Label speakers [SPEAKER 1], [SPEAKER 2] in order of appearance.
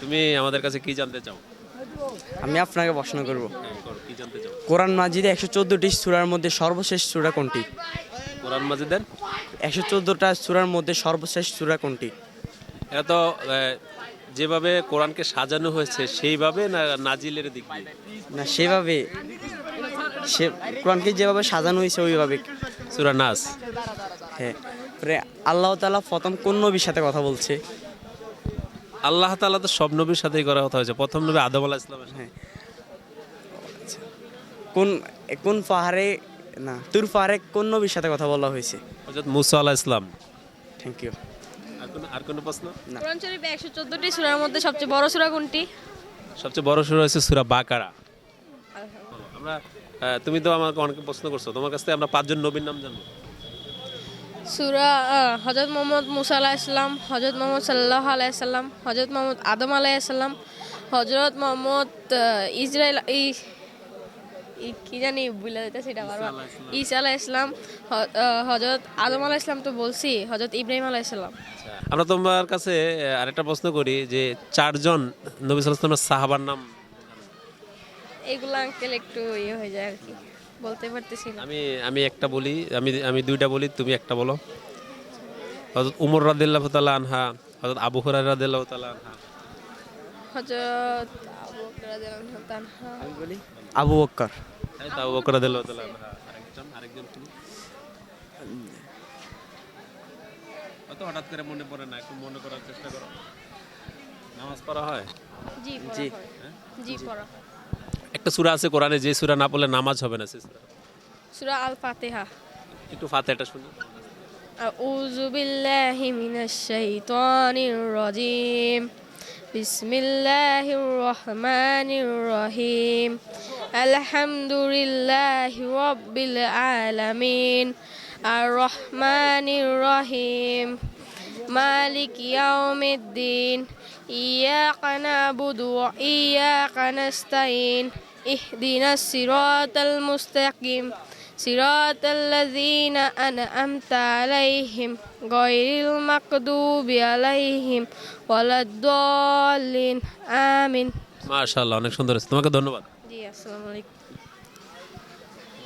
[SPEAKER 1] তুমি আমাদের কাছে কি জানতে চাও?
[SPEAKER 2] আমি আপনাকে প্রশ্ন করব,
[SPEAKER 1] হ্যাঁ, করো, কি জানতে চাও?
[SPEAKER 2] কোরআন মাজিদে 114টি সূরার মধ্যে সর্বশেষ সূরা কোনটি?
[SPEAKER 1] কোরআন মাজিদের
[SPEAKER 2] 114টা সূরার মধ্যে সর্বশেষ সূরা কোনটি?
[SPEAKER 1] এটা তো যেভাবে কোরআনকে সাজানো হয়েছে সেইভাবে না নাজিলের দিক দিয়ে?
[SPEAKER 2] না সেভাবে, সে কোরআনকে যেভাবে সাজানো হয়েছে ওইভাবে।
[SPEAKER 1] সূরা নাস।
[SPEAKER 2] হ্যাঁ, পরে আল্লাহ তাআলা প্রথম কোন নবীর সাথে কথা বলছে?
[SPEAKER 1] আল্লাহ তাআলা তো সব নবীর সাথেই করা কথা হয়েছে। প্রথম নবী আদম আলাইহিস সালামের সাথে।
[SPEAKER 2] হ্যাঁ, কোন কোন পাহাড়ে, না তুর পাহাড়ে কোন নবীর সাথে কথা বলা হয়েছে?
[SPEAKER 1] হযরত মুসা আলাইহিস সালাম।
[SPEAKER 2] Thank you.
[SPEAKER 1] আর কোনো প্রশ্ন?
[SPEAKER 3] কোরআন শরীফে 114টি সূরার মধ্যে সবচেয়ে বড় সূরা কোনটি?
[SPEAKER 1] সবচেয়ে বড় সূরা হচ্ছে সূরা বাকারা। আমরা তুমি তো আমাকে অনেক প্রশ্ন করছো, তোমার কাছ থেকে আমরা 5 জন নবীর নাম জানবো।
[SPEAKER 3] সূরা হযরত মুহাম্মদ মুসা আলাইহিস সালাম, হযরত মুহাম্মদ সাল্লাল্লাহু আলাইহি সাল্লাম, হযরত মুহাম্মদ আদম আলাইহিস সালাম, হযরত মুহাম্মদ ইসরাইল কি জানি ভুলে যাইতাছি এটা বারবার, ঈসা আলাইহিস সালাম, হযরত আদম আলাইহিস সালাম তো বলছি, হযরত ইব্রাহিম আলাইহিস সালাম।
[SPEAKER 1] আমরা তোমার কাছে আরেকটা প্রশ্ন করি যে 4 জন নবী সাল্লাল্লাহু আলাইহি ওয়াসাল্লামের সাহাবার নাম।
[SPEAKER 3] এগুলো আঙ্কেল একটু ইয়ে হয়ে যায় আর কি, বলতে পারতেছি না।
[SPEAKER 1] আমি আমি একটা বলি, আমি দুইটা বলি, তুমি একটা বলো। হযরত উমর রাদিয়াল্লাহু তাআলা আনহা, হযরত আবু হুরায়রা রাদিয়াল্লাহু তাআলা আনহা।
[SPEAKER 3] হযরত আবু বকর রাদিয়াল্লাহু তাআলা।
[SPEAKER 2] আমি বলি আবু বকর।
[SPEAKER 1] এই তো আবু বকর রাদিয়াল্লাহু তাআলা আনহা। আরেকজন তুমি? অত হঠাৎ করে মনে পড়ে না, একটু মনে করার চেষ্টা করো। নামাজ পড়া হয়?
[SPEAKER 3] জি
[SPEAKER 2] জি।
[SPEAKER 3] জি পড়া।
[SPEAKER 1] একটা সূরা আছে কোরআনে, যে সূরা না পড়লে নামাজ হবে না, সেই সূরা।
[SPEAKER 3] সূরা আল ফাতিহা।
[SPEAKER 1] একটু ফাতিহাটা শুনি।
[SPEAKER 3] আউযু বিল্লাহি মিনাশ শাইতানির রাজিম। বিসমিল্লাহির রহমানির রহিম। আলহামদুলিল্লাহি রাব্বিল আলামিন। আর রহমানির রহিম। মালিক ইয়াউমিদ্দিন। ইয়াকা না'বুদু ওয়া ইয়াকা নাস্তাইন। ইহদিনাস সিরাতাল মুস্তাকিম। صراط الذين أنعمت عليهم غير المغضوب عليهم ولا الضالين آمين।
[SPEAKER 1] মাশাআল্লাহ, অনেক সুন্দর হয়েছে, তোমাকে ধন্যবাদ।
[SPEAKER 3] জি আসসালামু আলাইকুম।